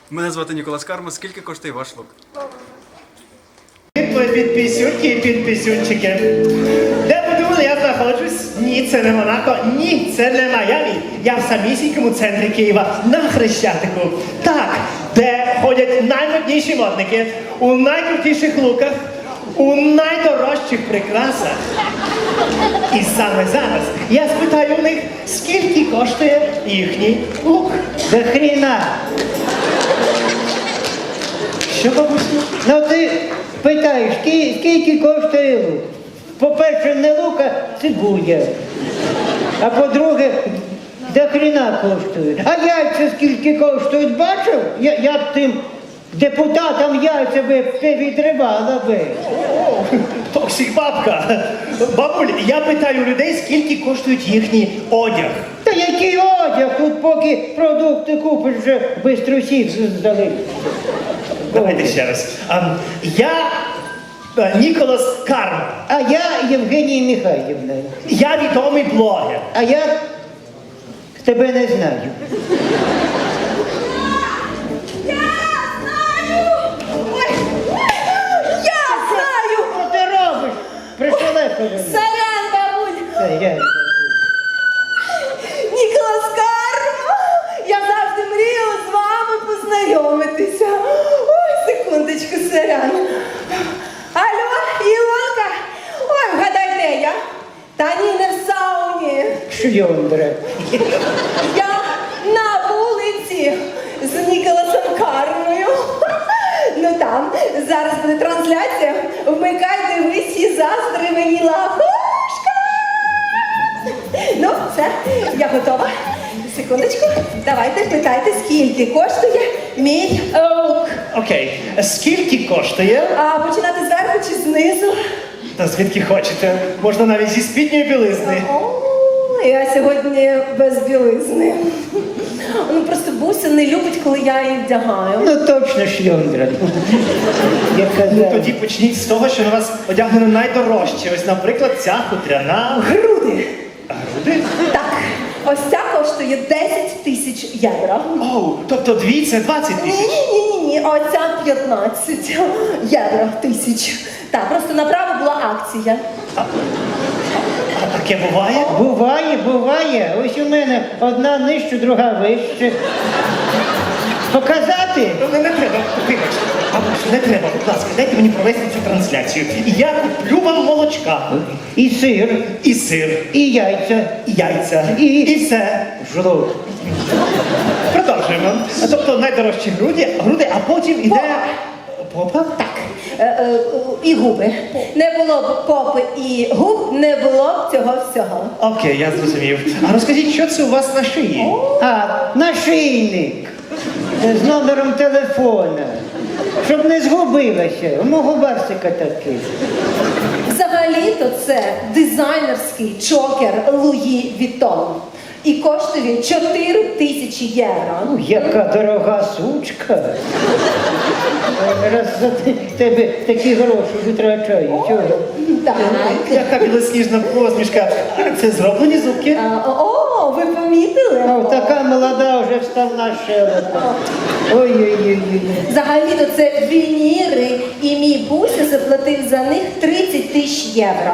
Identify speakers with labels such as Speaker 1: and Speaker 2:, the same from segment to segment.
Speaker 1: Мене звати Ніколас Карма. Скільки коштує ваш лук?
Speaker 2: Підписюнки і підписюнчики. Де подумали, я знаходжусь? Ні, це не Монако, ні, це не Майамі. Я в самісінькому центрі Києва, на Хрещатику. Так, де ходять наймодніші модники, у найкрутіших луках, у найдорожчих прикрасах. І саме зараз я спитаю у них, скільки коштує їхній лук.
Speaker 3: До хріна.
Speaker 2: Що, бабусю?
Speaker 3: Ну ти питаєш, скільки коштує лук? По-перше, не лук, а цибуля. А по-друге, до хріна коштує. А яйця скільки коштують, бачив? Я б тим депутатам яйця би відривала би.
Speaker 2: Токсик бабка. Бабуль, я питаю людей, скільки коштують їхній одяг.
Speaker 3: Та який одяг? Тут поки продукти купиш, вже бистро всі здали.
Speaker 2: Давайте ще раз. Я Ніколас Карма.
Speaker 3: А я Євгенія Михайлівна.
Speaker 2: Я відомий блогер.
Speaker 3: А я тебе не знаю.
Speaker 4: Я знаю!
Speaker 3: Що ти робиш? Пришелепили.
Speaker 4: Сорян, бабуль! Ніколас Карма! Я завжди мріяла з вами познайомитися. Ой, секундочку, сорян. Алло, Ілонка! Ой, вгадай, де я? Та ні, не в сауні.
Speaker 3: Шльондра.
Speaker 4: Я на вулиці з Ніколасом Кармою. Ну там, зараз буде трансляція. Вмикай, дивись і заздри мені лапушка. Ну, все, я готова. Секундочку, давайте питайте, скільки коштує мій лук.
Speaker 2: Окей. Скільки коштує?
Speaker 4: А починати зверху чи знизу?
Speaker 2: Та звідки хочете? Можна навіть зі спідньої білизни.
Speaker 4: О, я сьогодні без білизни. Ну просто Буся не любить, коли я її вдягаю.
Speaker 3: Ну точно шльондра. Я
Speaker 2: Ну
Speaker 3: казав.
Speaker 2: тоді почніть з того, що на вас одягнено найдорожче. Ось, наприклад, ця хутряна.
Speaker 4: Груди.
Speaker 2: Груди?
Speaker 4: Так, ось ця коштує 10 тисяч євро.
Speaker 2: Оу, тобто дві це 20 тисяч.
Speaker 4: Ні, оця 15 євро тисяч. Так, просто направо була акція.
Speaker 2: А таке буває?
Speaker 3: Буває. Ось у мене одна нижче, друга вище. Показати?
Speaker 2: Ну, не треба, вибачте. Бабусю, не треба, будь ласка, дайте мені провести цю трансляцію. І я куплю вам молочка.
Speaker 3: І сир,
Speaker 2: І сир,
Speaker 3: і яйця,
Speaker 2: і яйця,
Speaker 3: І-
Speaker 2: і все.
Speaker 3: жлоб.
Speaker 2: Продовжуємо. Тобто найдорожчі груди, а потім іде... Попа?
Speaker 4: Так, і губи. Не було б попи і губ, не було б цього всього.
Speaker 2: Окей, я зрозумів. А розкажіть, що це у вас на шиї?
Speaker 3: А, нашийник з номером телефона. Щоб не згубилася. У мого барсика такий.
Speaker 4: Взагалі-то це дизайнерський чокер Луї Вітон. І коштує 4 тисячі євро.
Speaker 3: Яка дорога сучка. Раз за тебе такі гроші витрачаю. Чого?
Speaker 4: Так.
Speaker 2: Яка білосніжна посмішка. Це зроблені зубки.
Speaker 4: О, ви помітили?
Speaker 3: А така молода вже вставна щелепа. Ой-ой-ой.
Speaker 4: Взагалі-то це вініри, і мій Буся заплатив за них 30 тисяч євро.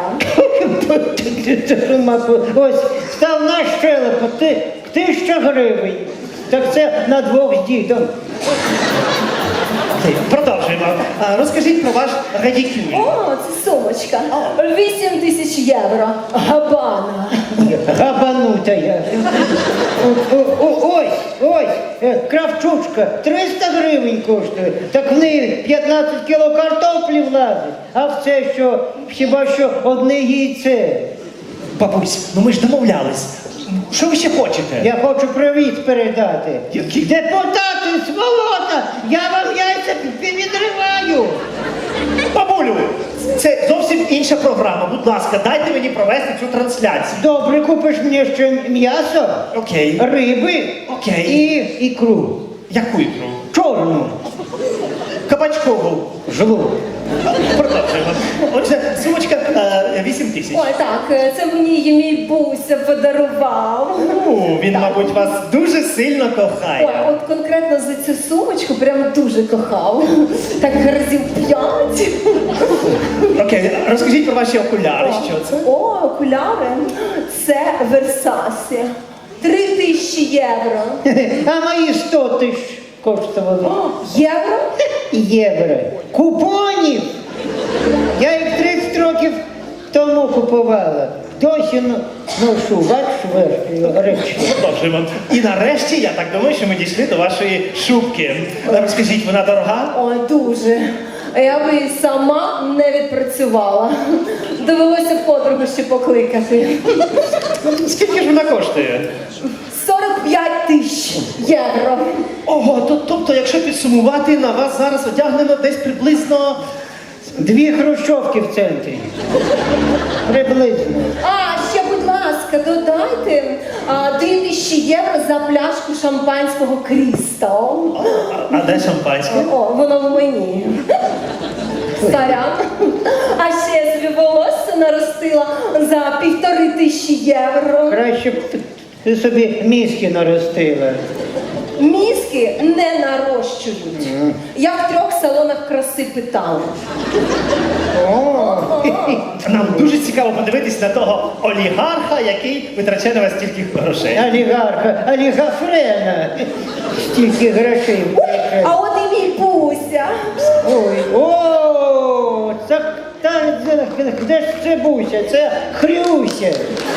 Speaker 3: Ось, вставна щелепа, 1000 гривень. Так це на двох з дідом.
Speaker 2: Окей, продовжуємо. Розкажіть про ваш радікюль.
Speaker 4: О, це сумочка. 8 тисяч євро. Габана.
Speaker 3: Габанута я. Ось, кравчучка, 300 гривень коштує. Так в неї 15 кіло картоплі влазить. А в це що, хіба що одне яйце.
Speaker 2: Бабусь, ну ми ж домовлялись. Що ви ще хочете?
Speaker 3: Я хочу привіт передати.
Speaker 2: Який?
Speaker 3: Депутати, сволота, я вам яйця відриваю.
Speaker 2: Бабулю, це зовсім інша програма. Будь ласка, дайте мені провести цю трансляцію.
Speaker 3: Добре, купиш мені ще м'ясо,
Speaker 2: Окей.
Speaker 3: риби
Speaker 2: Окей.
Speaker 3: і ікру.
Speaker 2: Яку ікру?
Speaker 3: Чорну.
Speaker 2: Кабачкову.
Speaker 3: Жлоб.
Speaker 2: Продовжуємо. Отже, сумочка 8 тисяч.
Speaker 4: Ой, так, це мені її мій Буся подарував.
Speaker 2: Він, мабуть, вас дуже сильно
Speaker 4: Ой,
Speaker 2: кохає.
Speaker 4: от конкретно за цю сумочку прям дуже кохав. Так разів 5.
Speaker 2: Окей, розкажіть про ваші окуляри, що це?
Speaker 4: О, окуляри. Це Версасі. 3000 євро.
Speaker 3: А мої 100 тисяч коштували.
Speaker 4: О, євро?
Speaker 3: Євро. Купонів! Я їх 30 років тому купувала. Досі ношу, бачиш, речі.
Speaker 2: Продовжуємо. І нарешті, я так думаю, що ми дійшли до вашої шубки. Розкажіть, вона дорога?
Speaker 4: Ой, дуже. Я би і сама не відпрацювала. Довелося подругу ще покликати.
Speaker 2: Скільки ж вона коштує?
Speaker 4: 45 тисяч євро.
Speaker 2: Ого, тобто, якщо підсумувати, на вас зараз одягнено десь приблизно...
Speaker 3: 2 хрущовки в центрі. Приблизно.
Speaker 4: А, ще, будь ласка, додайте 2000 євро за пляшку шампанського Крістал.
Speaker 2: А де шампанське?
Speaker 4: О, воно в мені. Сорян. А ще я собі волосся наростила за 1500 євро.
Speaker 3: Краще б ти собі мізки наростила.
Speaker 4: Мізки не нарощують. Я в 3 салонах краси питала.
Speaker 3: О,
Speaker 2: Нам дуже цікаво подивитись на того олігарха, який витрачає на вас стільки грошей.
Speaker 3: олігарха, олігафрена. Стільки грошей.
Speaker 4: А от і мій Буся.
Speaker 3: Ой, о, де ж це Буся? Це Хрюся.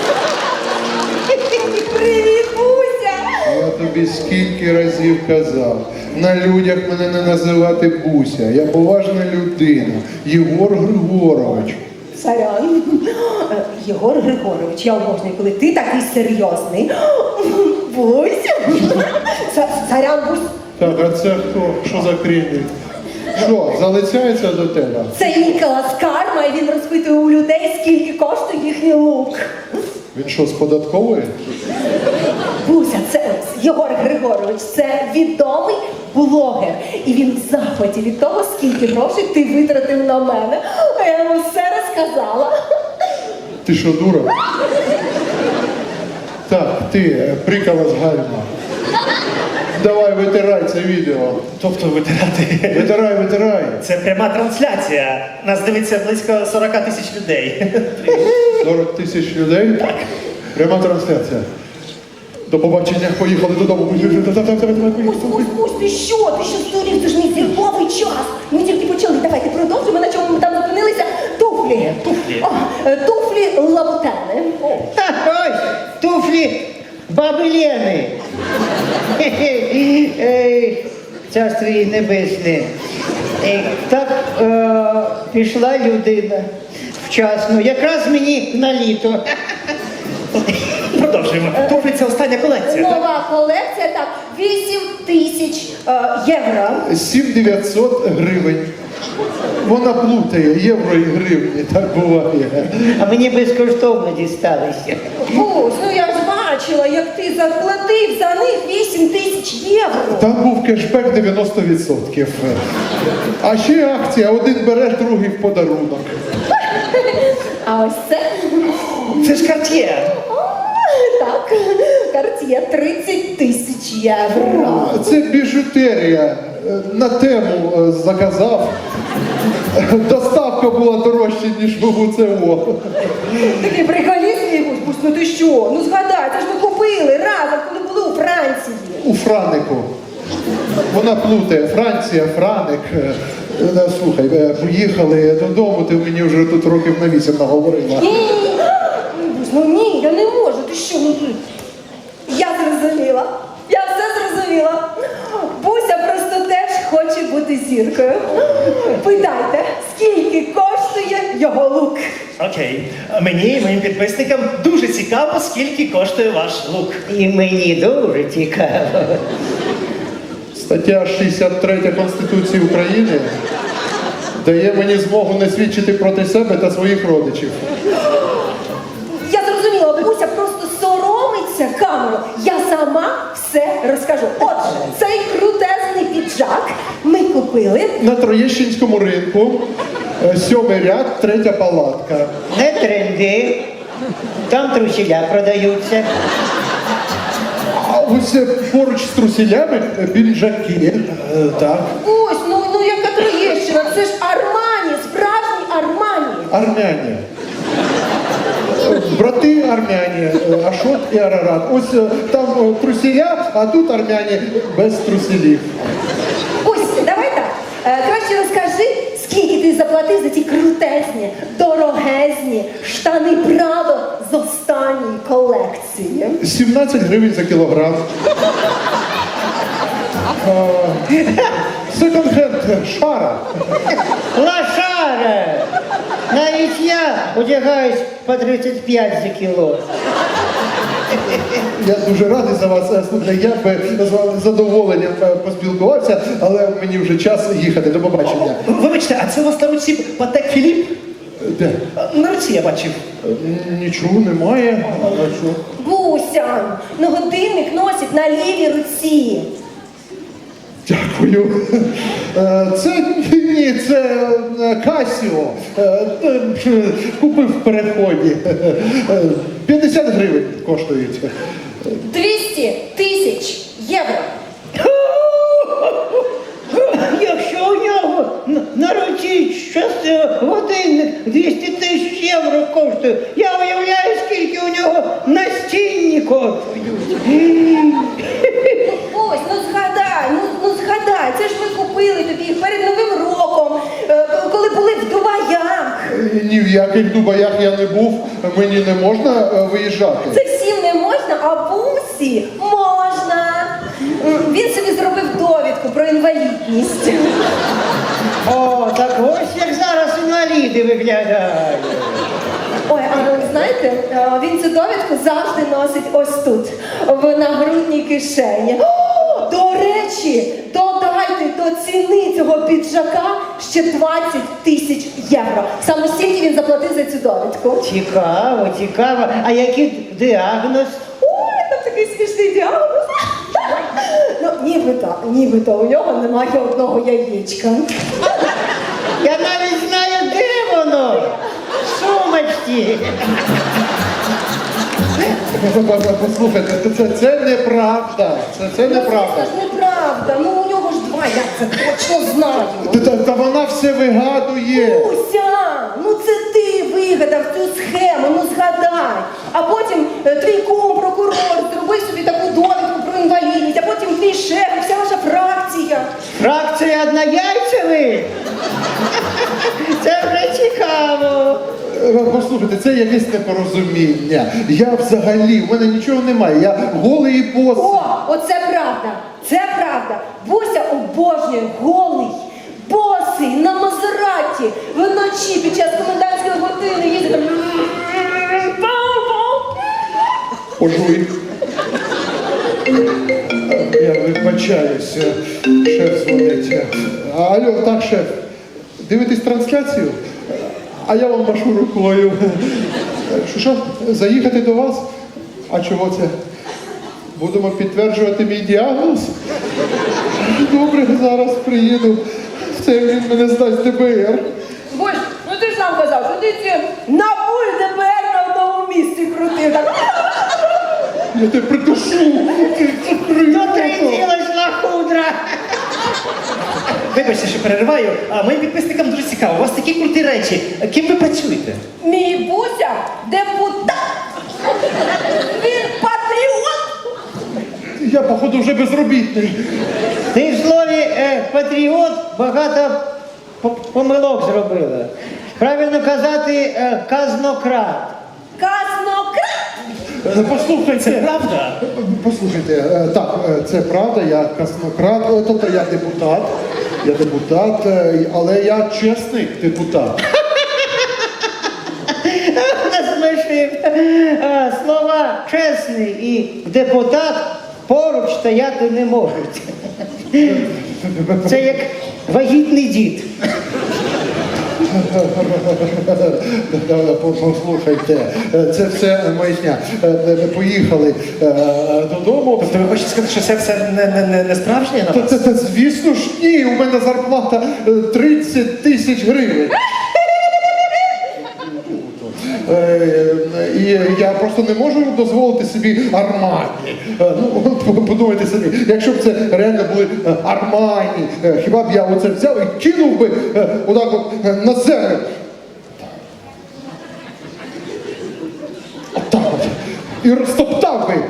Speaker 4: Привіт, Буся!
Speaker 5: Я тобі скільки разів казав, на людях мене не називати Буся. Я поважна людина. Єгор Григорович.
Speaker 4: Сорян. Єгор Григорович, я обожнюю, коли ти такий серйозний. Буся. Сорян, Бусь.
Speaker 5: Так, а це хто? Що за крінь? Що, залицяється до тебе?
Speaker 4: Це Ніколас Карма, і він розпитує у людей, скільки коштує їхній лук.
Speaker 5: Він що, з податкової?
Speaker 4: Буся, це Єгор Григорович, це відомий блогер. І він в захваті від того, скільки грошей ти витратив на мене. А я йому все розказала.
Speaker 5: Ти що, дура? Так, ти, прикола з гальма. Давай, витирай це відео.
Speaker 2: Тобто витирати.
Speaker 5: Витирай.
Speaker 2: Це пряма трансляція. Нас дивиться близько 40 тисяч людей.
Speaker 5: 40 тисяч людей? Так. Пряма трансляція. До побачення, поїхали додому.
Speaker 4: Бусь, ти що? Ти що здурів? Це ж мій зірковий час. Ми тільки почали. Давайте продовжимо, на чому ми там зупинилися. Туфлі.
Speaker 2: Туфлі.
Speaker 4: О, туфлі лабутени.
Speaker 3: Ось, туфлі баби Лени. Царство їй небесне. Так пішла людина вчасно, якраз мені на літо.
Speaker 2: Продовжуємо. Туфлі – це остання колекція. так?
Speaker 4: Нова колекція, так, 8000 євро.
Speaker 5: 7900 гривень. Вона плутає євро і гривні, так буває.
Speaker 3: А мені безкоштовно дісталися.
Speaker 4: Бусь, ну я ж бачила, як ти заплатив за них 8000 євро.
Speaker 5: Там був кешбек 90%. А ще акція, один береш, другий в подарунок.
Speaker 4: А ось це?
Speaker 2: Це ж Cartier.
Speaker 4: Так, Cartier 30 тисяч євро.
Speaker 5: Це біжутерія. На тему заказав. Доставка була дорожча, ніж в УЦО.
Speaker 4: Такий приколіст, Бусь, ну ти що? Ну згадай, це ж ми купили разом, коли були у Франції.
Speaker 5: У Франику. Вона плутає. Франція, Франик. Слухай, поїхали додому, ти мені вже тут років на 8 наговорила.
Speaker 4: Ні, Бусь, ну ні, я не можу, ти що? Ну, я зрозуміла, я все зрозуміла. Буся просто теж хоче бути зіркою. Питайте, скільки коштує його лук?
Speaker 2: Окей. Мені і моїм підписникам дуже цікаво, скільки коштує ваш лук.
Speaker 3: І мені дуже цікаво.
Speaker 5: Стаття 63 Конституції України дає мені змогу не свідчити проти себе та своїх родичів.
Speaker 4: Я зрозуміла, Буся просто соромиться камеру. Я сама все розкажу. Отже, цей крутезний піджак ми купили.
Speaker 5: На Троєщинському ринку, 7-й ряд, 3-я палатка.
Speaker 3: Не тренди, там трусіля продаються.
Speaker 5: ось поруч з труселями піджаки. Так.
Speaker 4: Ось, ну яка Троєщина, це ж Армані, справжній Армані.
Speaker 5: Армяні. Брати армяні, Ашот і Арарат. Ось там труселя, а тут армяні без труселів.
Speaker 4: Ось, давай так. Краще розкажи, скільки ти заплатив за ті крутезні, дорогезні штани Прадо з останньої колекції.
Speaker 5: 17 гривень за кілограм. Секонд-хенд, шара.
Speaker 3: Лошара! Навіть я одягаюсь по 35 за кіло.
Speaker 5: Я дуже радий за вас. Слухайте, я би з вами з задоволенням поспілкувався, але мені вже час їхати. До побачення.
Speaker 2: Вибачте, а це у вас на руці Патек Філіп?
Speaker 5: Де?
Speaker 2: На руці я бачив.
Speaker 5: Нічого немає. А що?
Speaker 4: Буся, ну годинник носить на лівій руці.
Speaker 5: Дякую. Це Касіо. Купив в переході. 50 гривень коштують.
Speaker 4: 200 тисяч євро.
Speaker 3: Якщо у нього на руці щось годинник 200 тисяч євро коштує, я уявляю, скільки у нього настінні коштують.
Speaker 4: Ось, ну згадай, це ж ми купили тобі їх перед Новим роком, коли були в Дубаях.
Speaker 5: Ні в яких Дубаях я не був, мені не можна виїжджати.
Speaker 4: Це всім не можна, а Бусі можна. Він собі зробив довідку про інвалідність.
Speaker 3: О, так ось як зараз інваліди виглядають.
Speaker 4: Ой, а ви знаєте, він цю довідку завжди носить ось тут, в нагрудній кишені. О, до речі, додайте до ціни цього піджака ще 20 тисяч євро. Саме стільки він заплатив за цю довідку.
Speaker 3: Цікаво, цікаво. А який діагноз?
Speaker 4: Ой, там такий смішний діагноз. Ну, нібито у нього немає одного яєчка.
Speaker 3: Я навіть знаю, де воно. В сумочці.
Speaker 5: Послухайте, це неправда. Це неправда.
Speaker 4: Це ж неправда. Ну, у нього ж два, я це точно знаю.
Speaker 5: Та вона все вигадує.
Speaker 4: Уся, ну це ти вигадав цю схему, ну згадай. А потім твій кум, прокурор, зробив собі таку довідку про інвалідність, а потім твій шеф, і вся ваша фракція.
Speaker 3: Фракція однояйцевих? Це вже цікаво.
Speaker 5: Послухайте, це якесь непорозуміння. Я взагалі, в мене нічого немає. Я голий і босий.
Speaker 4: О, оце правда, це правда. Буся обожнює голий, босий, на Мазераті, вночі під час комендантської години їздить там.
Speaker 5: Пожуй. Я вибачаюся. Шеф дзвонить. Алло, так, шеф. Дивитесь трансляцію? А я вам машу рукою. Що? Заїхати до вас? А чого це? Будемо підтверджувати мій діагноз? Добре, зараз приїду. Це він мене здасть ДБР.
Speaker 4: Бусь, ну ти ж сам казав, що ти ці НАБУ і ДБР на одному місці крутив. Так.
Speaker 5: Я тебе придушу.
Speaker 3: Дотриділась лахудра.
Speaker 2: Вибачте, що перериваю, а моїм підписникам дуже цікаво. У вас такі круті речі. Ким ви працюєте?
Speaker 4: Мій Буся депутат. Він патріот.
Speaker 5: Я, походу, вже безробітний.
Speaker 3: Ти в слові патріот багато помилок зробила. Правильно казати казнократ.
Speaker 4: Казнократ.
Speaker 5: Послухайте.
Speaker 2: Це правда?
Speaker 5: Послухайте, так, це правда, я казнократ, тобто я депутат, але я чесний депутат.
Speaker 3: Насмішив. Слова чесний і депутат поруч стояти не можуть. Це як вагітний дід.
Speaker 5: Послухайте, це все маячня. Поїхали додому.
Speaker 2: Тобто ви хочете сказати, що це все не справжнє на вас?
Speaker 5: Та, звісно ж, ні, у мене зарплата 30 тисяч гривень. І я просто не можу дозволити собі Армані. Ну, подумайте самі, якщо б це реально були Армані, хіба б я оце взяв і кинув би отак от на землю. Отак от. І розтоптав би.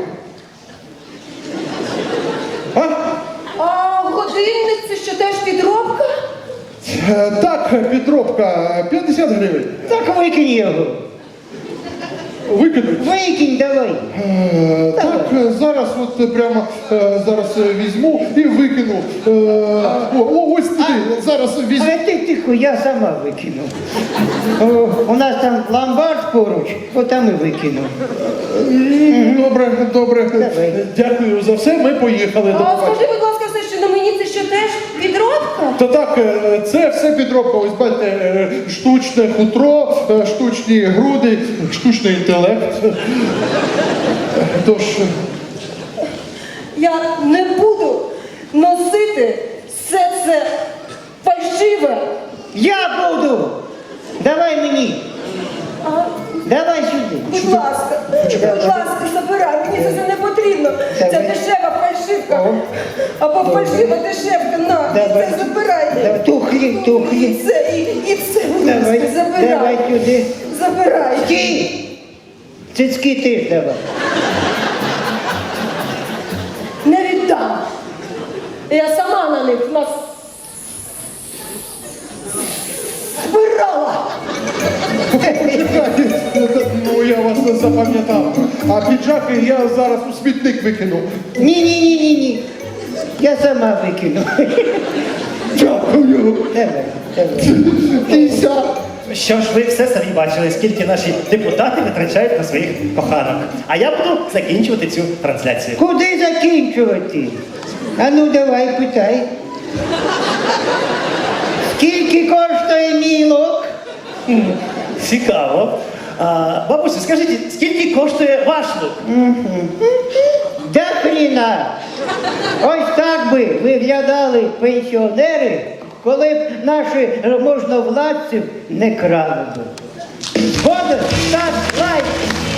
Speaker 5: А?
Speaker 4: А годинник це що теж підробка?
Speaker 5: Так, підробка, 50 гривень.
Speaker 3: Так викинь його.
Speaker 5: Викинуть.
Speaker 3: Викинь давай.
Speaker 5: Так, зараз от прямо зараз візьму і викину. Ось туди, зараз візьму.
Speaker 3: А ти тихо, я сама викину. У нас там ломбард поруч, отам і викину.
Speaker 5: Добре.
Speaker 3: Давай.
Speaker 5: Дякую за все, ми поїхали. До
Speaker 4: А
Speaker 5: побачення.
Speaker 4: скажи, будь ласка, все, що на мені це що теж підробка?
Speaker 5: Та так, це все підробка. Ось бачите, штучне хутро, штучні груди, штучний інтелект. Тож,
Speaker 4: Я не буду носити все це фальшиве.
Speaker 3: Я буду! Давай мені!
Speaker 4: А,
Speaker 3: Давай сюди!
Speaker 4: будь ласка, забирай, мені це не потрібно. Це
Speaker 3: Давай.
Speaker 4: дешева фальшивка. Або фальшива дешевка, на,
Speaker 3: Давай.
Speaker 4: це забирай.
Speaker 3: Давай, тухлі.
Speaker 4: І це, будь
Speaker 3: Давай,
Speaker 4: ласка, забирай.
Speaker 3: давай сюди.
Speaker 4: Забирай.
Speaker 3: Стій! Цицьки теж давай.
Speaker 4: Не віддам. Я сама на них збирала.
Speaker 5: ну я вас не запам'ятав. А піджаки я зараз у смітник викину.
Speaker 3: Ні. Я сама викину.
Speaker 5: Дякую.
Speaker 3: Давай.
Speaker 5: Кися.
Speaker 2: Що ж ви все самі бачили, скільки наші депутати витрачають на своїх коханок. А я буду закінчувати цю трансляцію.
Speaker 3: Куди закінчувати? А ну давай, питай. Скільки коштує мій лук?
Speaker 2: Цікаво. Бабусю, скажіть, скільки коштує ваш лук?
Speaker 3: Да хріна! Ось так би виглядали пенсіонери, коли б наші можновладців не крали би. Згоден? Став лайк!